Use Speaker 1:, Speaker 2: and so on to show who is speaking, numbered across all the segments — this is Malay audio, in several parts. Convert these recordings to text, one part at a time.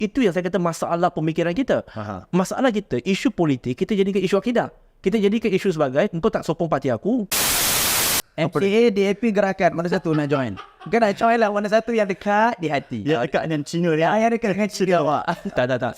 Speaker 1: Itu yang saya kata masalah pemikiran kita. Masalah kita, isu politik, kita jadikan isu akidah. Kita jadikan isu sebagai, engkau tak sokong parti aku.
Speaker 2: MCA, DAP, gerakan. Mana satu nak join? Bukan nak join lah. Mana satu yang dekat di hati.
Speaker 3: Ya, dekat dengan Cina dia.
Speaker 2: Yang dekat dengan Cina awak.
Speaker 1: Tak.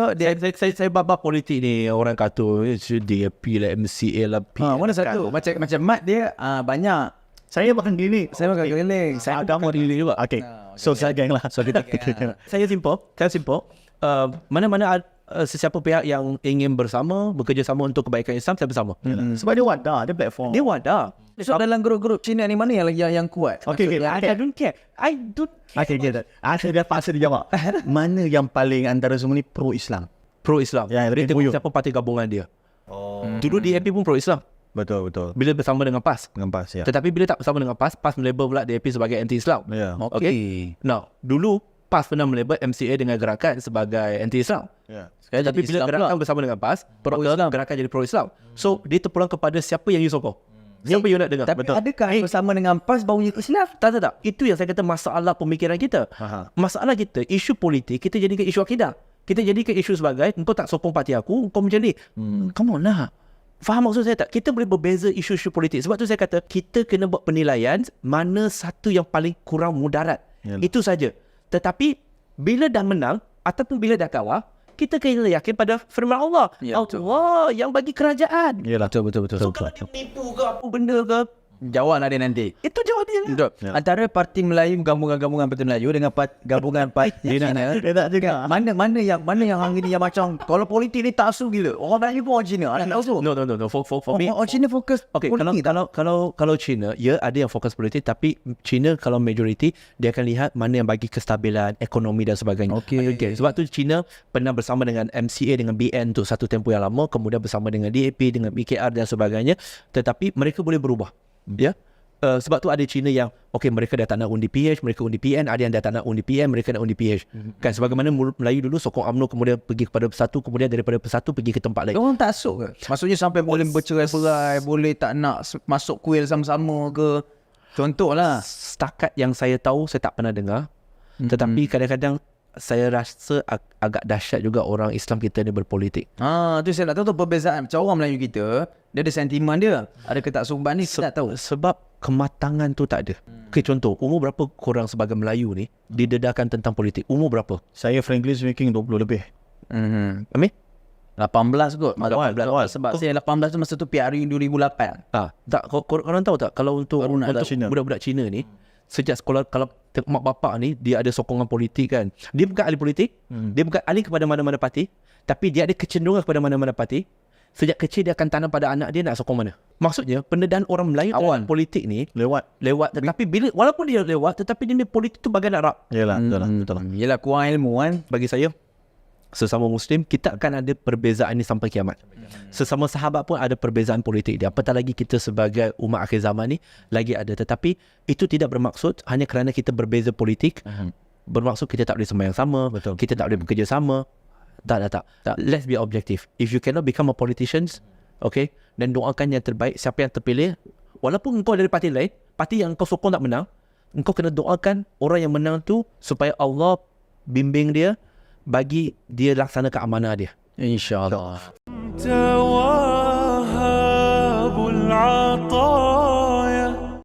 Speaker 1: Saya babak politik ni. Orang kata DAP lah, MCA lah.
Speaker 2: Mana satu? Macam Mat dia banyak.
Speaker 3: Saya makan gini.
Speaker 2: Saya makan keliling.
Speaker 1: Saya agama diri juga.
Speaker 3: Okay. So, saya geng lah.
Speaker 1: So kita Saya simple. Mana-mana sesiapa pihak yang ingin bekerjasama untuk kebaikan Islam, saya bersama.
Speaker 3: Sebab dia wadah, dia platform.
Speaker 1: Dia wadah.
Speaker 2: So dalam grup-grup Cina ni mana yang kuat?
Speaker 3: Okay.
Speaker 1: I don't care.
Speaker 3: Okay, saya dah paksa dia jawab. Mana yang paling antara semua ni pro-Islam?
Speaker 1: Pro-Islam.
Speaker 3: Ya,
Speaker 1: Dia tengok
Speaker 3: buyuk.
Speaker 1: siapa parti gabungan dia. Dulu DAP pun pro-Islam.
Speaker 3: Betul.
Speaker 1: Bila bersama dengan PAS.
Speaker 3: Dengan PAS, ya.
Speaker 1: Tetapi bila tak bersama dengan PAS, PAS melabel pula DAP sebagai anti-Islam.
Speaker 3: Ya.
Speaker 1: Okay. Now, dulu PAS pernah melabel MCA dengan gerakan sebagai anti-Islam.
Speaker 3: Ya.
Speaker 1: Tapi bila gerakan bersama dengan PAS, gerakan jadi pro-Islam. So, dia terpulang kepada siapa yang you sokong. Siapa you nak dengar.
Speaker 2: Tapi adakah bersama dengan PAS baru Islam?
Speaker 1: Tak. Itu yang saya kata masalah pemikiran kita. Masalah kita, isu politik, kita jadikan isu akidah. Kita jadikan isu sebagai, engkau tak sokong parti aku, engkau macam ni. Come on lah. Faham maksud saya tak? Kita boleh berbeza isu-isu politik. Sebab tu saya kata, kita kena buat penilaian mana satu yang paling kurang mudarat. Itu saja. Tetapi, bila dah menang, ataupun bila dah kalah, kita kena yakin pada firman Allah. Allah yang bagi kerajaan.
Speaker 3: Yalah, betul.
Speaker 1: So, kalau dia menipu ke apa benda ke,
Speaker 2: Jawab nak dia nanti.
Speaker 1: itu jawab dia lah.
Speaker 2: Antara Parti Melayu, gabungan Parti Melayu dengan gabungan Parti Cina.
Speaker 3: Dia tak juga.
Speaker 2: Mana yang hari ni yang macam kalau politik ni tak asu gila. Orang Melayu pun orang Cina. Ada tak asu?
Speaker 1: No. For me,
Speaker 2: Orang Cina fokus
Speaker 1: okay,
Speaker 2: politik.
Speaker 1: kalau China, ya ada yang fokus politik, tapi China kalau majoriti, dia akan lihat mana yang bagi kestabilan ekonomi dan sebagainya. Okay. Sebab tu China pernah bersama dengan MCA dengan BN untuk satu tempoh yang lama, kemudian bersama dengan DAP, dengan BKR dan sebagainya, tetapi mereka boleh berubah. Ya. Sebab tu ada China yang mereka dah tak nak undi PH, mereka undi PN, ada yang dah tak nak undi PM, mereka nak undi PH. Kan sebagaimana Melayu dulu sokong UMNO, kemudian pergi kepada Persatu, kemudian daripada Persatu pergi ke tempat lain.
Speaker 2: Orang tak asuk ke? Maksudnya sampai boleh bercerai-berai, boleh tak nak masuk kuil sama-sama ke? Contohlah.
Speaker 1: Setakat yang saya tahu, saya tak pernah dengar. Tetapi kadang-kadang saya rasa agak dahsyat juga orang Islam kita ni berpolitik.
Speaker 2: Tu saya nak tahu tu perbezaan. Macam orang Melayu kita, dia ada sentimen dia. Ada ketaksuban ni, saya tak tahu.
Speaker 1: Sebab kematangan tu tak ada. Okay, contoh, umur berapa korang sebagai Melayu ni didedahkan tentang politik? Umur berapa?
Speaker 3: Saya frankly speaking 20 lebih.
Speaker 1: Amin?
Speaker 2: 18 kot.
Speaker 3: Awal.
Speaker 2: Sebab saya 18 tu masa tu PRU 2008.
Speaker 1: Tak, korang tahu tak kalau untuk
Speaker 3: Cina.
Speaker 1: budak-budak Cina ni, sejak sekolah, kalau mak bapak ni dia ada sokongan politik kan, dia bukan ahli politik, dia bukan ahli kepada mana-mana parti, tapi dia ada kecenderungan kepada mana-mana parti. Sejak kecil dia akan tanam pada anak dia nak sokong mana. Maksudnya pendedahan orang Melayu terhadap politik ni lewat, tetapi bila walaupun dia lewat, tetapi dia politik tu bagai nak rap.
Speaker 3: Yalah, betul lah.
Speaker 2: Yelah, kurang ilmu kan.
Speaker 1: Bagi saya, sesama Muslim, kita akan ada perbezaan ni sampai kiamat. Sesama sahabat pun ada perbezaan politik dia. Apatah lagi kita sebagai umat akhir zaman ni lagi ada. Tetapi itu tidak bermaksud hanya kerana kita berbeza politik, bermaksud kita tak boleh sembahyang sama, kita tak boleh bekerja sama. Tak. Let's be objective. If you cannot become a politician, dan doakan yang terbaik, siapa yang terpilih, walaupun engkau dari parti lain, parti yang kau sokong tak menang, engkau kena doakan orang yang menang tu supaya Allah bimbing dia, bagi dia laksanakan amanah dia.
Speaker 2: InsyaAllah.
Speaker 4: توهب العطاء